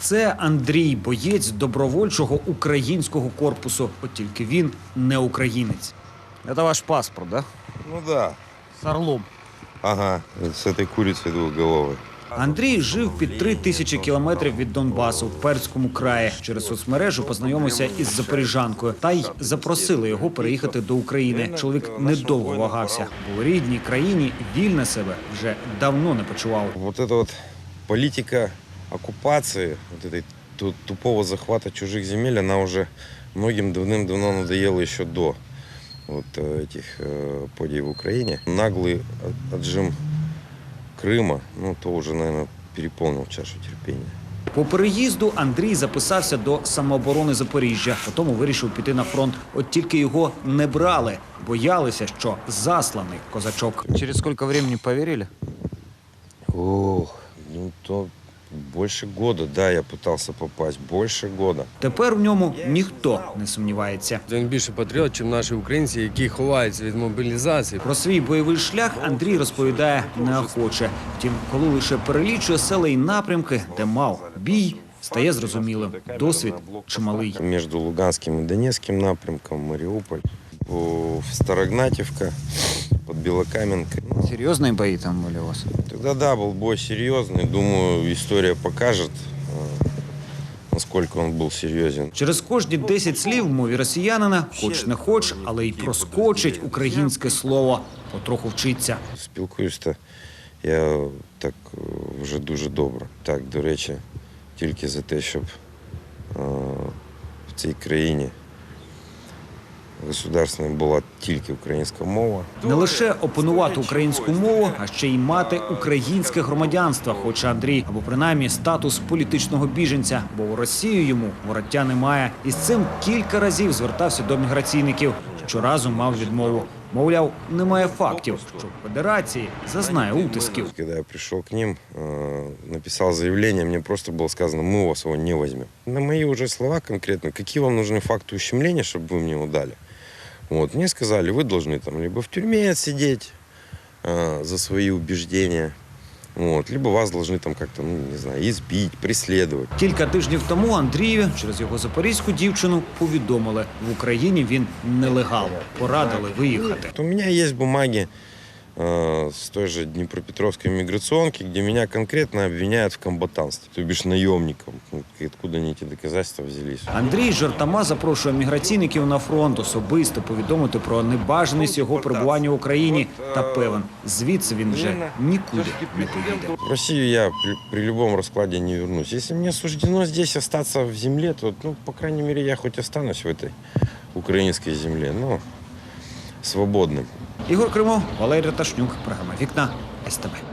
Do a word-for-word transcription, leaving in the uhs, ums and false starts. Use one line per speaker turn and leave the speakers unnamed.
Це Андрій, боєць добровольчого українського корпусу. От тільки він не українець. Це ваш паспорт, да?
Ну да.
З орлом.
Ага, с этой курицей двухголовой.
Андрій жив під три тисячі кілометрів від Донбасу в Перському краї. Через соцмережу познайомився із запоріжанкою. Та й запросили його переїхати до України. Чоловік недовго вагався, бо у рідній країні вільно себе вже давно не почував.
Вот эта вот политика оккупации, вот этой ту- тупого захвата чужих земель, она уже многим давным-давно надоела еще до вот э, этих э, подій в Украине. Наглый от- отжим Крыма, ну, то уже, наверное, переполнил чашу терпения.
По переїзду Андрій записався до самооборони Запоріжжя. Потім вирішив піти на фронт. От тільки його не брали. Боялися, що засланий козачок. Через скільки часу повірили?
Ох, ну то больше года, да, я пытался попасть, больше года.
Тепер в ньому ніхто не сумнівається.
Він більше патріот, ніж наші українці, які ховаються від мобілізації.
Про свій бойовий шлях Андрій розповідає неохоче. Втім, коли лише перелічує села і напрямки, де мав бій, стає зрозумілим. Досвід чималий.
Между Луганским и Донецким напрямком, Мариуполь, в Старогнатьевка, под Белокаменкой. Ну,
Серйозні бої там були у вас?
тогда, да, был бой серьезный. Думаю, история покажет, э, насколько он был серьезен.
Через кожні десять слів в мові росіянина, хоч не хоч, але й проскочить українське слово. Потроху вчиться.
Спілкуюсь-то я так е, вже дуже добре. Так, до речі, тільки за те, щоб е, в цій країні государственною була тільки українська мова.
Не лише опанувати українську мову, а ще й мати українське громадянство, хоче Андрій, або принаймні статус політичного біженця, бо у Росію йому вороття немає. І з цим кілька разів звертався до міграційників. Щоразу мав відмову. Мовляв, немає фактів, що в Федерації зазнає утисків.
Когда я пришел к ним, э, написал заявление, мне просто было сказано, мы у вас его не возьмем. На мои уже слова конкретно, какие вам нужны факты ущемления, чтобы вы мне его дали. Вот, мне сказали, вы должны там либо в тюрьме отсидеть э, за свои убеждения, вот, либо вас должны там как-то, ну, не знаю, избить, преследовать.
Кілька тижнів тому Андрію через його запорізьку дівчину повідомили, в Україні він нелегал. Порадили виїхати.
У меня есть бумаги э, с той же Днепропетровской миграционки, где меня конкретно обвиняют в комбатанстве, то бишь наемником. Ну, откуда они эти доказательства взялись?
Андрій жартома запрошує міграційників на фронт особисто повідомити про небажаність його перебування в Україні. Та певен, звідси він вже нікуди не поїде.
В Россию я при, при любом раскладе не вернусь. Если мне суждено здесь остаться в земле, то, ну, по крайней мере, я хоть останусь в этой украинской земле, но свободным.
Ігор Кримов, Валерій Раташнюк, програма «Вікна», ес те бе.